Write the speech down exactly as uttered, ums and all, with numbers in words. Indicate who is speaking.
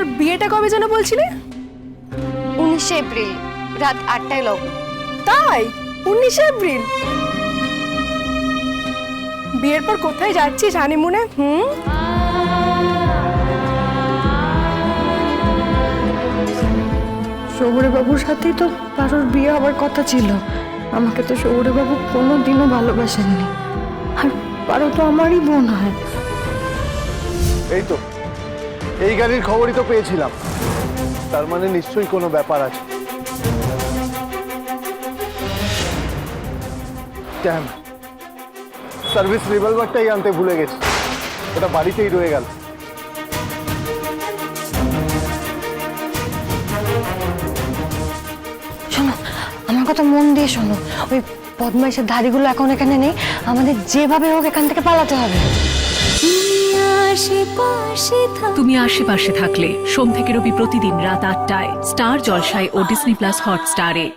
Speaker 1: তোর বিয়েটা কবে যেন বলছিলি?
Speaker 2: উনিশে এপ্রিল রাত আটটায় লগ্ন।
Speaker 1: তাই? উনিশে এপ্রিল? বিয়ের পর কোথায় যাচ্ছিস হানিমুনে? হুম,
Speaker 3: শহুরে বাবুর সাথেই তো পারোর বিয়ে হবার কথা ছিল। আমাকে তো শহুরে বাবু কোনো দিনও ভালোবাসেননি, আর পারো তো আমারই বোন হয়।
Speaker 4: এই তো এই গাড়ির খবরই তো পেয়েছিলাম, তার মানে নিশ্চয়ই কোনো ব্যাপার আছে। ড্যাম, সার্ভিস রিভলভারটাই আনতে ভুলে গেছি, ওটা বাড়িতেই রয়ে গেল।
Speaker 3: শোনো, আমার কথা মন দিয়ে শোনো। ওই বদমাইশের ধাড়িগুলো এখন এখানে নেই, আমাদের যেভাবে হোক এখান থেকে পালাতে হবে।
Speaker 5: তুমি আশেপাশে থাকলে সোম থেকে রবি প্রতিদিন রাত আটটায় স্টার জলসায় ও ডিসনি প্লাস হটস্টারে।